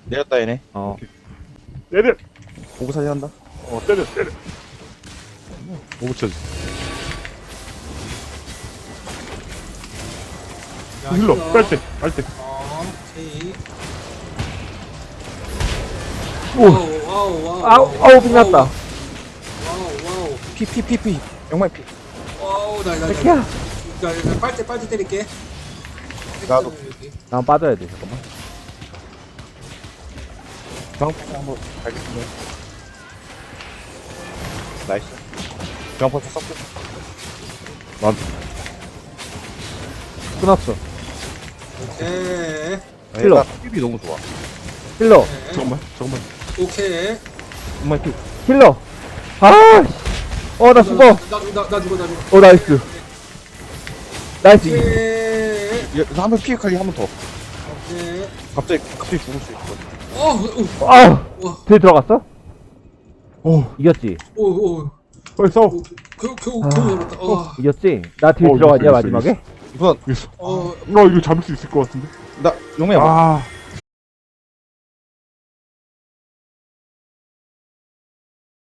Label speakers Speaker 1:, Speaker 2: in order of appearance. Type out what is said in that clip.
Speaker 1: 내렸다 얘네.
Speaker 2: 때려.
Speaker 1: 오고 살리 한다.
Speaker 2: 때려. 못 붙여지.
Speaker 3: 야,
Speaker 2: 힐러. 빨 때.
Speaker 3: 오케이.
Speaker 4: 오.
Speaker 3: 와우,
Speaker 4: 빛났다.
Speaker 3: 와우.
Speaker 1: 피. 영말 피.
Speaker 3: 와우, 나.
Speaker 4: 백희야.
Speaker 3: 야, 빨대 때릴게.
Speaker 1: 나도.
Speaker 3: 여기.
Speaker 4: 난 빠져야 돼, 잠깐만.
Speaker 1: 중앙포스 한번 갈겠습니다. 나이스. 중앙포스 섞고.
Speaker 4: 끊었어.
Speaker 3: 오케이.
Speaker 4: 힐러.
Speaker 1: 힙이 너무 좋아.
Speaker 4: 힐러.
Speaker 2: 잠깐만.
Speaker 3: 오케이.
Speaker 1: 정말 피.
Speaker 4: 힐러. 아, 씨. 나 죽어.
Speaker 3: 나 죽어.
Speaker 4: 나이스. 나이스.
Speaker 3: 오케이.
Speaker 1: 여기서 한번 피해 칼리 한 번 더.
Speaker 3: 오케이.
Speaker 1: 갑자기 죽을 수 있어.
Speaker 4: 딜 들어갔어?
Speaker 2: 오.
Speaker 4: 이겼지?
Speaker 2: 빨리 싸워.
Speaker 3: 겨우 잡았다.
Speaker 4: 이겼지? 나 딜
Speaker 2: 이겼어,
Speaker 4: 들어갔냐,
Speaker 2: 이겼어,
Speaker 4: 마지막에?
Speaker 1: 우선
Speaker 2: 이거 잡을 수 있을 것 같은데.
Speaker 1: 나 용매야.
Speaker 2: 아.